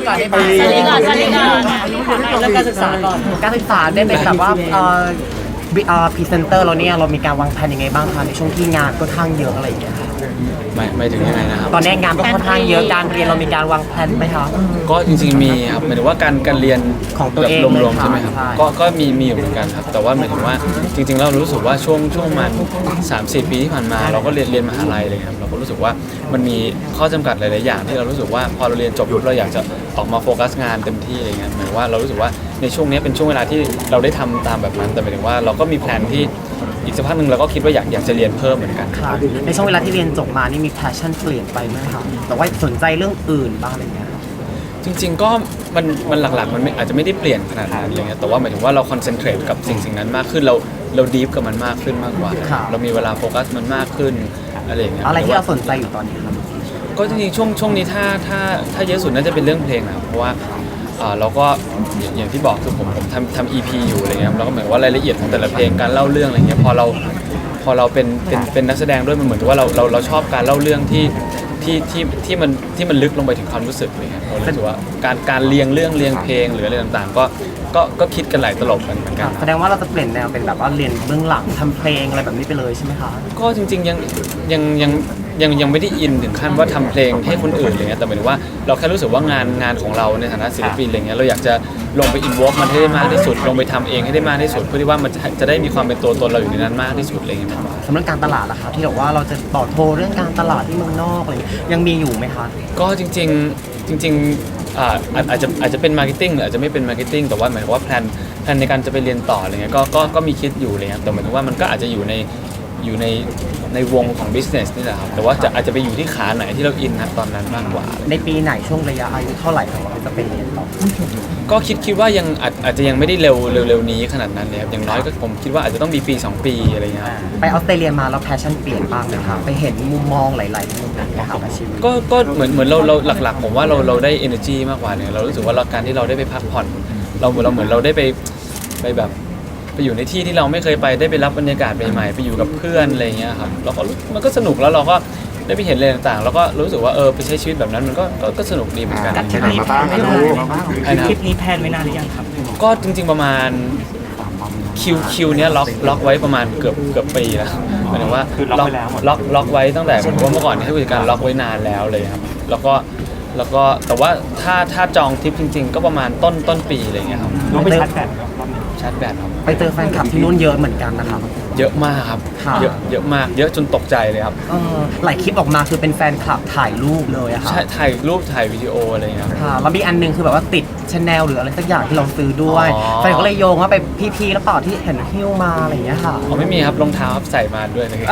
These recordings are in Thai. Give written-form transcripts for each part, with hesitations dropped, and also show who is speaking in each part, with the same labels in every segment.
Speaker 1: ก่อนได้ไหม
Speaker 2: สลิก่อน
Speaker 1: เรื่องการศึกษาก่อนการศึกษาได้เป็นแบบว่าพรีเซนเตอร์เราเนี่ยเรามีการวางแผนยังไงบ้างคะในช่วงที่งานก็ค่อนข้างเยอะอะไรอย่างเงี้ยค่ะ
Speaker 3: ไม่ถึงยังไงนะครับ
Speaker 1: ตอนนี้งานก็ค่อนข้างเยอะการเรียนเรามีการวางแผนไหมคะ
Speaker 3: ก็จริงๆมีครับหมายถึงว่าการเรียน
Speaker 1: ของตัวเอง
Speaker 3: รวมๆใช่ไหมครับ
Speaker 1: ใช่
Speaker 3: ก็มีอยู่เหมือนกันครับแต่ว่าหมายถึงว่าจริงๆเรารู้สึกว่าช่วงมัน3-4 ปีที่ผ่านมาเราก็เรียนมหาลัยเลยครับเราก็รู้สึกว่ามันมีข้อจำกัดหลายๆอย่างที่เรารู้สึกว่าพอเราเรียนจบเราอยากจะออกมาโฟกัสงานเต็มที่อะไรเงี้ยหมายถึงว่าเรารู้สึกว่าในช่วงนี้เป็นช่วงเวลาที่เราได้ทำตามแบบนั้นแต่หมายถึงว่าเราก็มีแผนที่อีกสักพักหนึ่งเราก็คิดว่าอยากจะเรียนเพิ่มเหมือนกัน
Speaker 1: ค่ะในช่วงเวลาที่เรียนจบมานี่มีแพชชั่นเปลี่ยนไปไหมคะแต่ว่าสนใจเรื่องอื่นบ้างอะไรเงี้ย
Speaker 3: จริงๆก็มันหลักๆมันอาจจะไม่ได้เปลี่ยนขนาดนั้นอะไรเงี้ยแต่ว่าหมายถึงว่าเราคอนเซนเทรตกับสิ่งนั้นมากขึ้นเราดีฟกับมันมากขึ้นมากกว่า เรามีเวลาโฟกัสมันมากขึ้นอะไรอย่างเงี้ย
Speaker 1: อะไรที่เราสนใจอยู่ตอนนี้ครับ
Speaker 3: ก็จริงๆช่วงนี้ถ้าเยอะสุดน่าจะเป็นเรื่องเพลงนะครับเพราะว่าเราก็อย่างที่บอกคือผมทำ EP อยู่อะไรเงี้ยแล้วก็เหมือนว่ารายละเอียดของแต่ละเพลงการเล่าเรื่องอะไรเงี้ยพอเราเป็นนักแสดงด้วยมันเหมือนกับว่าเราชอบการเล่าเรื่องที่มันลึกลงไปถึงความรู้สึกเลยครับเรารู้สึกว่าการเรียงเรื่องเรียงเพลงหรืออะไรต่างๆก็คิดกันหลายตลบกันเหมือนกัน
Speaker 1: แสดงว่าเราจะเปลี่ยนแนวเป็นแบบว่าเรียนเบื้องหลังทำเพลงอะไรแบบนี้ไปเลยใช่ไหมคะ
Speaker 3: ก็จริงๆยังไม่ได้อินถึงขั้นว่าทำเพลงให้คนอื่นอะไรเงี้ยแต่หมายถึงว่าเราแค่รู้สึกว่างานของเราในฐานะศิลปินอะไรเงี้ยเราอยากจะลงไปอินวอล์กมันให้ได้มากที่สุดลงไปทำเองให้ได้มากที่สุดเพื่อที่ว่ามันจะได้มีความเป็นตัวตนเราอยู่ในนั้นมากที่สุดอะไรเงี้ยมากกว่า
Speaker 1: สำหรับการตลาดล่ะครับที่บอกว่าเราจะต่อโทรเรื่องการตลาดที่เมืองนอกอะไรยังมีอยู่ไหมคะ
Speaker 3: ก็จริงอาจจะเป็นมาร์เก็ตติ้งหรืออาจจะไม่เป็นมาร์เก็ตติ้งแต่ว่าหมายถึงว่าแพลนในการจะไปเรียนต่ออะไรเงี้ยก็มีคิดอยู่อะไรเงี้ยแต่หมายถึงว่ามันก็อาจจะอยู่ในวงของ business นี่แหละครับแต่ว่าอาจจะไปอยู่ที่ขาไหนที่เราอินนะตอนนั้นมากกว่า
Speaker 1: ในปีไหนช่วงระยะอายุเท่าไหร่ของเราจะเป็นเรียนต่อ
Speaker 3: ก็คิดว่ายังอาจจะยังไม่ได้เร็วนี้ขนาดนั้นเลยครับอย่างน้อยก็ผมคิดว่าอาจจะต้องมีปี 2 ปีอะไรเงี้ยครับ
Speaker 1: ไปออสเตรเลียมาแล้วแพชชั่นเปลี่ยนบ้างไหมครับไปเห็นมุมมองหลายๆมุมนะครับอาชีพ
Speaker 3: ก็เหมือนเราหลักๆผมว่าเราได้ energy มากกว่าเนี่ยเรารู้สึกว่าการที่เราได้ไปพักผ่อนเราเหมือนเราได้ไปแบบไปอยู่ในที่ที่เราไม่เคยไปได้ไปรับบรรยากาศใหม่ๆไปอยู่กับเพื่อนอะไรเงี้ยครับแล้วก็มันก็สนุกแล้วเราก็ได้ไปเห็นอะไรต่างๆแล้วก็รู้สึกว่าไปใช้ชีวิตแบบนั้นมันก็สนุกดีเหมือนกัน
Speaker 4: ไปไหนมาบ้างอะลูก
Speaker 1: คลิปนี้แพนไว้นานหรือยังครับ
Speaker 3: ก็จริงๆประมาณคิวเนี้ยล็อกไว้ประมาณเกือบปีแล้วหมายถึงว่าล็อกไว้ตั้งแต่ผมว่าเมื่อก่อนที่ผู้จัดการล็อกไว้นานแล้วเลยครับแล้วก็แต่ว่าถ้าจองทริปจริงๆ ก็ประมาณต้นปีอะไรเงี้ยครับ
Speaker 1: น้องไปชาร์จแบต
Speaker 3: ชาร์จแบตครับ
Speaker 1: ไปเจอแฟนคลับที่นู่นเยอะเหมือนกันนะครับ
Speaker 3: เยอะมากครับ
Speaker 1: ค่ะ
Speaker 3: เยอะมากเยอะจนตกใจเลยครับ
Speaker 1: หลายคลิปออกมาคือเป็นแฟนคลับถ่ายรูปเลยอะค่ะ
Speaker 3: ใช่ถ่ายรูปถ่ายวิดีโออะไรเงี้ยครับ
Speaker 1: ค่ะแล้วมีอันนึงคือแบบว่าติดชาแนลหรืออะไรสักอย่างที่เราซื้อด้วย
Speaker 3: อ๋อ
Speaker 1: แฟนก็เลยโยงว่าไปพี่ๆแล้วเปล่าที่เห็นหิ้วมาอะไรอย่างเงี้ยค่ะ
Speaker 3: อ๋อไม่มีครับรองเท้าครับใส่มาด้วยเลย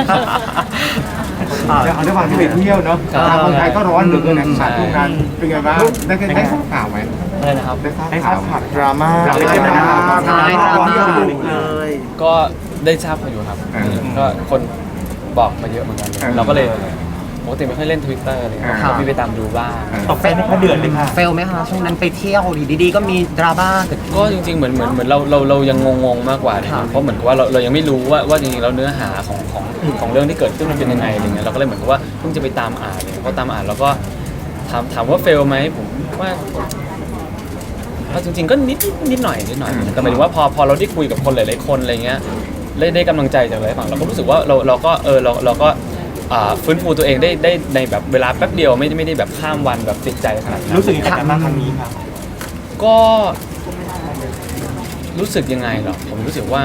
Speaker 4: เอาด้วยความที่ไปเที่ยวเนาะ
Speaker 3: ครับ
Speaker 4: ทางคนไทยก็ร้อนเหลือเกินนะ
Speaker 3: ใช่
Speaker 4: ช่วงนั้นเป็นไงบ้างได้ทราบข่าวไหม
Speaker 3: อะไรนะครับ
Speaker 4: ได้ทราบข่าวดราม่า
Speaker 1: ใช่ดราม่าเลย
Speaker 3: ก็ได้ทราบมาอยู่ครับ ก็คนบอกมาเยอะเหมือนกันเลยเราก็เลยปกติไม่ค่อยเล่น Twitter อะไรเลยก็มีไปตามดูบ้าง
Speaker 1: ตกเฟลไหมคะเดือดเลยค่ะเฟลไหมคะช่วงนั้นไปเที่ยวดีๆก็มีดราม่าเกิดขึ้น
Speaker 3: ก็จริงๆเหมือนเรายังงงมากกว่านะครับเพราะเหมือนกับว่าเรายังไม่รู้ว่าจริงๆแล้วเนื้อหาของเรื่องที่เกิดขึ้นมันเป็นยังไงอะไรเงี้ยเราก็เลยเหมือนกับว่าเพิ่งจะไปตามอ่านเลยพอตามอ่านแล้วก็ถามว่าเฟลไหมผมว่าจริงๆก็นิดหน่อยแต่หมายถึงว่าพอเราได้คุยกับคนหลายๆคนอะไรเงี้ยได้กำลังใจจากหลายฝั่งเราก็รู้สึกว่าเราก็ฟื้นฟูตัวเองได้ในแบบเวลาแป๊บเดียวไม่ได้แบบข้ามวันแบบติดใจขนาดนั้น
Speaker 1: รู้สึกยังไงกับครั้งนี้ครับ
Speaker 3: ก็รู้สึกยังไงเหรอผมรู้สึกว่า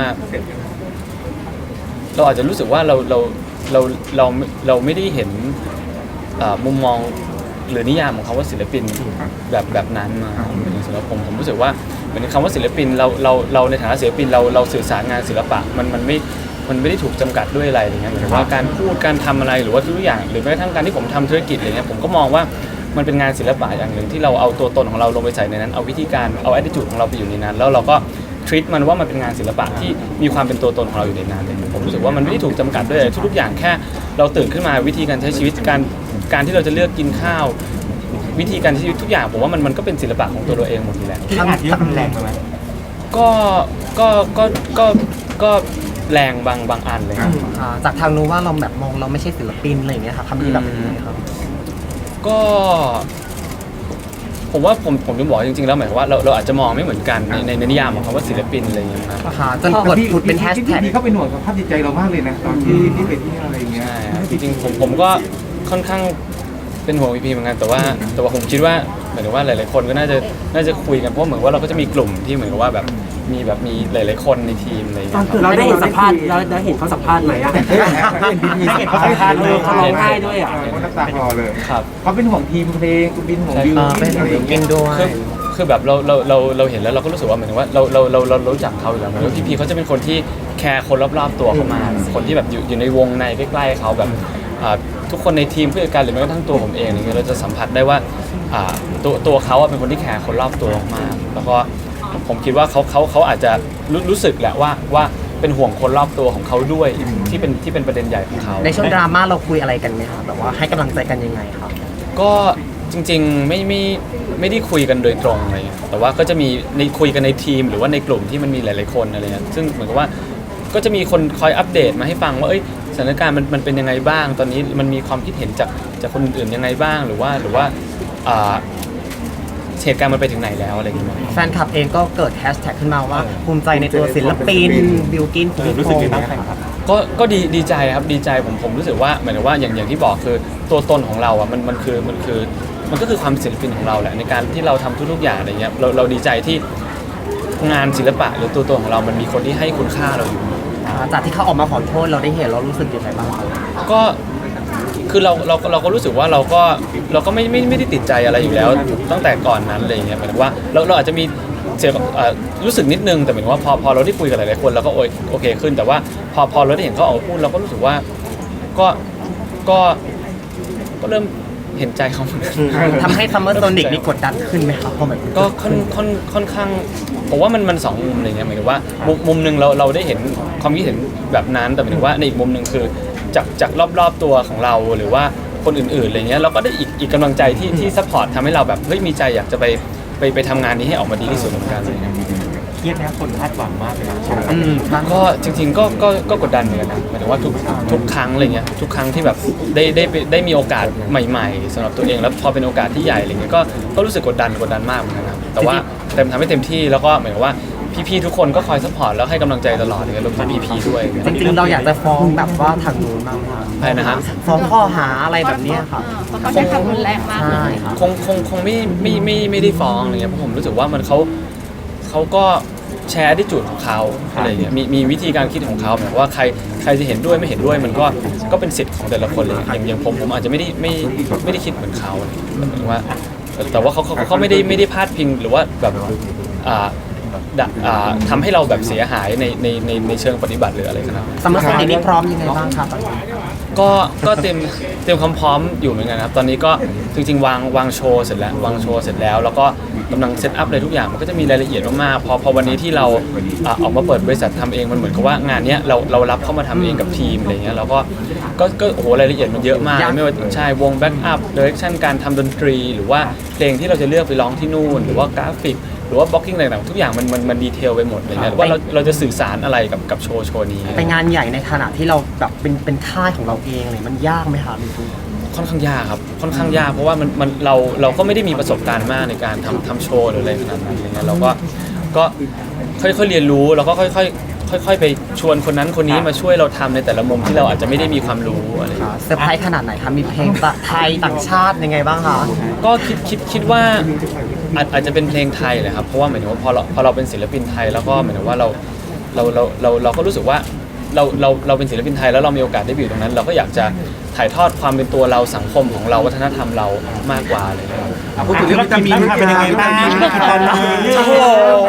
Speaker 3: เราอาจจะรู้สึกว่าเราไม่ได้เห็นมุมมองหรือนิยามของคำว่าศิลปินแบบนั้นมาสำหรับผมรู้สึกว่าเหมือนคำว่าศิลปินเราในฐานะศิลปินเราสื่อสารงานศิลปะมันไม่ได้ถูกจำกัดด้วยอะไรอย่างเงี้ยหมายถึงว่าการพูดการทำอะไรหรือว่าทุกอย่างหรือแม้กระทั่งการที่ผมทำธุรกิจอะไรเงี้ยผมก็มองว่ามันเป็นงานศิลปะอย่างหนึ่งที่เราเอาตัวตนของเราลงไปใส่ในนั้นเอาวิธีการเอา attitude ของเราไปอยู่ในนั้นแล้วเราก็treat มันว่ามันเป็นงานศิลปะที่มีความเป็นตัวตนของเราอยู่ในนั้นเลยผมรู้สึกว่ามันไม่ได้ถูกจำกัดด้วยทุกๆอย่างแค่เราตื่นขึ้นมาวิธีการใช้ชีวิตการที่เราจะเลือกกินข้าววิธีการใช้ชีวิตทุกอย่างผมว่ามันก็เป็นศิลปะของตัวเราเองหมดอยู่แล้ว
Speaker 1: ทำเยอะแรงไหม
Speaker 3: ก็แรงบางอันเลยครับ
Speaker 1: จากทางนู้นว่าเราแบบมองเราไม่ใช่ศิลปินอะไรอย่างเงี้ยค่ะคำนี้แบบนี้ครับ
Speaker 3: ก็ผมว่าผมจะบอกจริงๆแล้วหมายความว่าเราอาจจะมองไม่เหมือนกันในนิยามของคำว่าศิลปินอะไรอย่างเงี้ยนะ
Speaker 1: ค่ะจนกดผุดเป็นแฮชแท็ก
Speaker 4: พี่เขาเป็นห่วงสภาพจิตใจเรามากเลยนะตอนที่ไปเที่ยวอะไรอย่างเงี้ย
Speaker 3: ใช่ครับจริงๆผมก็ค่อนข้างเป็นห่วงพีเหมือนกันแต่ว่าผมคิดว่าหมายถึงว่าหลายๆคนก็น่าจะคุยกันเพราะเหมือนว่าเราก็จะมีกลุ่มที่เหมือนกับว่าแบบมีหลายๆคนในทีมอะไรอย่างเงี้ยครับ
Speaker 2: เราได้เห็นสัมภาษณ์เราได้เห็นเขาสัมภาษณ์ไหมอะ
Speaker 4: เห็นเขาสัมภาษณ์เลย
Speaker 2: เขาร้องไห้ด้วยอ่ะ
Speaker 4: เขาน้ำตาคลอเลย
Speaker 3: ครับ
Speaker 4: เขาเป็นห่วงทีมเพลงคุณบินห่วงบิว
Speaker 1: เป็น
Speaker 4: อะไรอย่าง
Speaker 1: เก่
Speaker 4: เงี้
Speaker 1: ง
Speaker 4: ย
Speaker 1: ด้วย
Speaker 3: คือแบบเราเห็นแล้วเราก็รู้สึกว่าเหมือนว่าเรารู้จักเขาอยู่แล้วเหมือนว่าพี่เขาจะเป็นคนที่แคร์คนรอบๆตัวเขามากคนที่แบบอยู่ในวงในใกล้ๆเขาแบบทุกคนในทีมผู้จัดการหรือแม้กระทั่งตัวผมเองเนี่ยเราจะสัมผัสได้ว่าตัวเขาเป็นคนที่แคร์คนรอบตัวมากแล้วก็ผมคิดว่าเขาอาจจะรู้สึกแหละว่าเป็นห่วงคนรอบตัวของเขาด้วยที่เป็นประเด็นใหญ่ของเขา
Speaker 1: ในช่วงดราม่าเราคุยอะไรกันไหมคะแบบว่าให้กำลังใจกันยังไงครับ
Speaker 3: ก็จริงๆไม่ได้คุยกันโดยตรงอะไรเงี้ยแต่ว่าก็จะมีในคุยกันในทีมหรือว่าในกลุ่มที่มันมีหลายๆคนอะไรเงี้ยซึ่งเหมือนกับว่าก็จะมีคนคอยอัปเดตมาให้ฟังว่าสถานการณ์มันเป็นยังไงบ้าง ตอนนี้มันมีความคิดเห็นจากคนอื่นๆยังไงบ้างหรือว่าเหตุการณ์มันไปถึงไหนแล้วอะไรอย่างเงี้ย
Speaker 1: แฟนคลับเองก็เกิดแฮชแท็กขึ้นมาว่าภูมิใจในตัวศิลปินบิลกินภูมิพงษ์บ้างครับ
Speaker 3: ก็ดีใจครับดีใจผมรู้สึกว่าเหมือนกับว่าอย่างที่บอกคือตัวตนของเราอ่ะมันก็คือความศิลปินของเราแหละในการที่เราทำทุกๆอย่างอะไรเงี้ยเราดีใจที่งานศิลปะหรือตัวตนของเรามันมีคนที่ให้คุณค่าเราอยู่
Speaker 1: จากที่เขาออกมาขอโทษเราได้เห็นเรารู้สึกยังไงบ้างครับ
Speaker 3: ก็คือเราก็รู้สึกว่าเราก็ไม่ได้ติดใจอะไรอยู่แล้วตั้งแต่ก่อนนั้นอะไรอย่างเงี้ยหมายถึงว่าเราอาจจะมีเสียรู้สึกนิดนึงแต่หมายถึงว่าพอเราได้คุยกับหลายๆคนเราก็โอเคขึ้นแต่ว่าพอเราได้เห็นเขาออกมาพูดเราก็รู้สึกว่าก็เริ่มเห็นใจเขาเหมือนกัน
Speaker 1: ทำให้ซัมเมอร์โซนิกนี่กดดันขึ้นไหมครับพอแบบ
Speaker 3: ก็ค่อนข้างผมว่ามันสองมุมอะไรเงี้ยหมายถึงว่ามุมหนึ่งเราได้เห็นความคิดเห็นแบบนั้นแต่หมายถึงว่าในอีกมุมหนึ่งคือจากรอบๆตัวของเราหรือว่าคนอื่นๆอะไรเงี้ยเราก็ได้อีกกำลังใจที่ซัพพอร์ตทำให้เราแบบเฮ้ยมีใจอยากจะไปทำงานนี้ให้ออกมาดีที่สุดเหมือนกันอะไรเงี้ย
Speaker 4: เครียดนะคนคาดหวังมากเลย
Speaker 3: ก็จริงๆก็กดดันเหมือนกันนะหมายถึงว่าทุกครั้งอะไรเงี้ยทุกครั้งที่แบบได้มีโอกาสใหม่ๆสำหรับตัวเองแล้วพอเป็นโอกาสที่ใหญ่อะไรเงี้ยก็รู้สึกกดดันมากเหมือนกันครับแต่ว่าทำให้เต็มที่แล้วก็หมายถึงว่าพี่ๆทุกคนก็คอยซัพพอร์ตแล้วให้กำลังใจตลอดเลยรวมถึงพี่ๆด้วย
Speaker 1: จริงๆเราอยากจะฟ้องแบบว่าทางนู้นบ้างครับ
Speaker 3: ใช่นะฮะ
Speaker 1: ฟ้องข้อหาอะไรแบบเนี้ยครับ
Speaker 5: เพราะเขาใช้คำรุนแรงมาก
Speaker 1: ใช่ครับ
Speaker 3: คงไม่ได้ฟ้องอะไรเงี้ยเพราะผมรู้สึกว่ามันเขาก็แชร์ได้จุดของเขาอะไรเงี้ยมีวิธีการคิดของเขาแบบว่าใครจะเห็นด้วยไม่เห็นด้วยมันก็เป็นสิทธิ์ของแต่ละคนเลยอย่างผมอาจจะไม่ได้คิดเหมือนเขาแต่ว่าเขาไม่ได้พาดพิงหรือว่าแบบทำให้เราแบบเสียหายในเชิงปฏิบัติหรืออะไรครับ
Speaker 1: ซัมเมอร์โซนิกนี่พร้อมยังไงบ้างครับ
Speaker 3: ก็เตรียมความพร้อมอยู่เหมือนกันครับตอนนี้ก็จริงๆวางโชว์เสร็จแล้วแล้วก็กำลังเซตอัพอะไรทุกอย่างมันก็จะมีรายละเอียดมากๆพอวันนี้ที่เราออกมาเปิดบริษัททำเองมันเหมือนกับว่างานเนี้ยเรารับเข้ามาทำเองกับทีมอะไรเงี้ยเราก็โอ้โหรายละเอียดมันเยอะมากไม่ว่าใช่วงแบ็กอัพเดเรคชั่นการทำดนตรีหรือว่าเพลงที่เราจะเลือกไปร้องที่นู่นหรือว่ากราฟิกหรือว่าบล็อกกิ้งอะไรต่างๆทุกอย่างมันดีเทลไปหมดอะไรเงี้ยว่าเราจะสื่อสารอะไรกับโชว์นี้
Speaker 1: เป็นงานใหญ่ในขณะที่เราแบบเป็นค่ายของเราเองเลยมันยากไหมครับพี่
Speaker 3: ค่อนข้างยากครับค่อนข้างยากเพราะว่าเราก็ไม่ได้มีประสบการณ์มากในการทำโชว์หรืออะไรขนาดนั้นอะไรเงี้ยเราก็ค่อยๆเรียนรู้แล้วก็ค่อยๆไปชวนคนนั้นคนนี้มาช่วยเราทำในแต่ละมุมที่เราอาจจะไม่ได้มีความรู้อะไร
Speaker 1: เซอร์ไพรส์ขนาดไหนครับมีเพลงไทยต่างชาติยังไงบ้างคะ
Speaker 3: ก็คิดว่าอาจจะเป็นเพลงไทยเลยครับเพราะว่าหมายถึงว่าพอเราเป็นศิลปินไทยแล้วก็หมายถึงว่าเราก็รู้สึกว่าเราเป็นศิลปินไทยแล้วเรามีโอกาสได้ไปอยู่ตรงนั้น เราก็อยากจะถ่ายทอดความเป็นตัวเราสังคมของเราวัฒนธรรมเรามากกว่าอะไรอย่างเงี้ย
Speaker 4: พูดถึงเรื่องวิตามินเป็นยังไงบ้างตอนนี้
Speaker 3: โอ้โห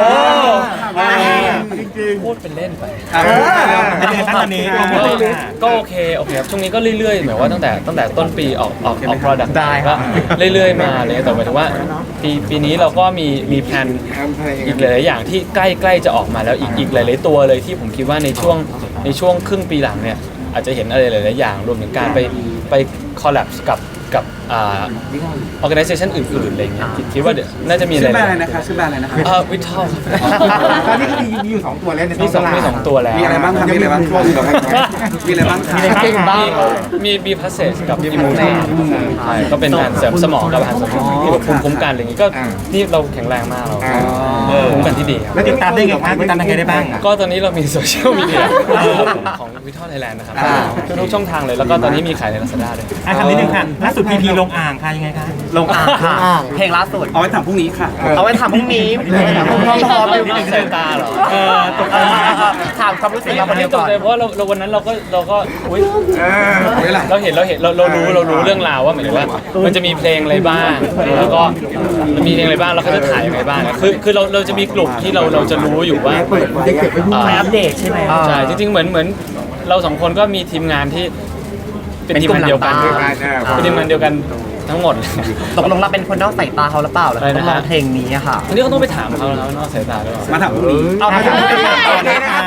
Speaker 4: จริง
Speaker 3: พูดเป็นเล่นไป
Speaker 4: ๆตอนนี้
Speaker 3: ก็โอเคครับช่วงนี้ก็เรื่อยๆหมายว่าตั้งแต่ต้นปีออก product
Speaker 1: ได้ค
Speaker 3: ก็
Speaker 1: รับ
Speaker 3: เรื่อยๆมาเลยแต่หมายถึงว่าปีนี้เราก็มีแผนอีกหลายๆอย่างที่ใกล้จะออกมาแล้วอีกหลายๆตัวเลยที่ผมคิดว่าในช่วงครึ่งปีหลังเนี่ยอาจจะเห็นอะไรหลายๆอย่างรวมถึงการไปคอลแลบกับกับorganization อื่นๆอะไรเงี้ยคิดว่าเดี๋ยวน่าจะมีอะไร
Speaker 5: ชื่อแบรนด์อะไรนะคะชื่อแบรนด์อะไรนะคะ
Speaker 3: วิทัล
Speaker 4: ตอนนี้ก็มีอยู่2ตัวแล้วใน
Speaker 3: มีสองตัวแล้ว
Speaker 5: มีอะไรบ้างครับมีอะไรบ้างมีอะไรบ้างครับ
Speaker 1: เก่งบ้าง
Speaker 3: มีบีพาสเซจกับอิมูนีใช่ก็เป็นการเสริมสมองกับอาหารเสริมที่แบบภูมิคุ้มกันอะไรอย่างงี้ก็นี่เราแข็งแรงมากเราภูมิคุ้มกันที่ดีครับ
Speaker 4: แล้วติดตามได้ไงครับติดตามยังไงได้บ้าง
Speaker 3: ก็ตอนนี้เรามีโซเชียลมีเดียของวิทัลไทยแลนด์นะครับทุกช่องทางเลยแล้วก็ตอนนี้มีขายใน Lazada ด้วย
Speaker 4: คำนิดนึงค่ะล่าสุดพีพีลงอ่างค่ะยังไงคะ
Speaker 1: ลงอ่างค่ะเพลงล่าสุด
Speaker 5: เอาไว้ถามพรุ่งนี้ค่ะ
Speaker 1: เอาไว้ถามพรุ่งนี้พร้อมๆอยู่
Speaker 3: นี่สายตาเหรอ
Speaker 1: ถามความรู้สึกเราคนเดียว
Speaker 3: ต
Speaker 1: ก่
Speaker 3: ก
Speaker 1: อน
Speaker 3: ใจเพราะว่าเราวันนั้นเราก็อุ๊ย
Speaker 5: เวลา
Speaker 3: เราเห็นเรารู้เรื่องราวว่าเหมือนว่ามันจะมีเพลงอะไรบ้างแล้วก็มีเพลงอะไรบ้างแล้วเขาจะถ่ายยังไงบ้างคือเราจะมีกลุ่มที่เราจะรู้อยู่ว่า
Speaker 1: ไปอัปเดตใช่ไหม
Speaker 3: ใช่จริงๆเหมือนเราสองคนก็มีทีมงานที่เป็นทีมงานเดียวกันเป็นทีมงานเดียวกันทั้งหมด
Speaker 1: ตกลงเราเป็นคนนอกสายตาเขาหรือเปล่าแล้ว
Speaker 3: อะไร
Speaker 1: ต้
Speaker 3: นะ
Speaker 1: อง
Speaker 3: ฮะ
Speaker 1: ร้องเพลงนี้อะค่ะ
Speaker 3: ทีนี้ก็ต้องไปถามเขาแล้วนอกสายตาด้วย
Speaker 5: มาถามพรุ่งนี้
Speaker 1: เอาไปถาม
Speaker 4: ต่อเลยค่ะ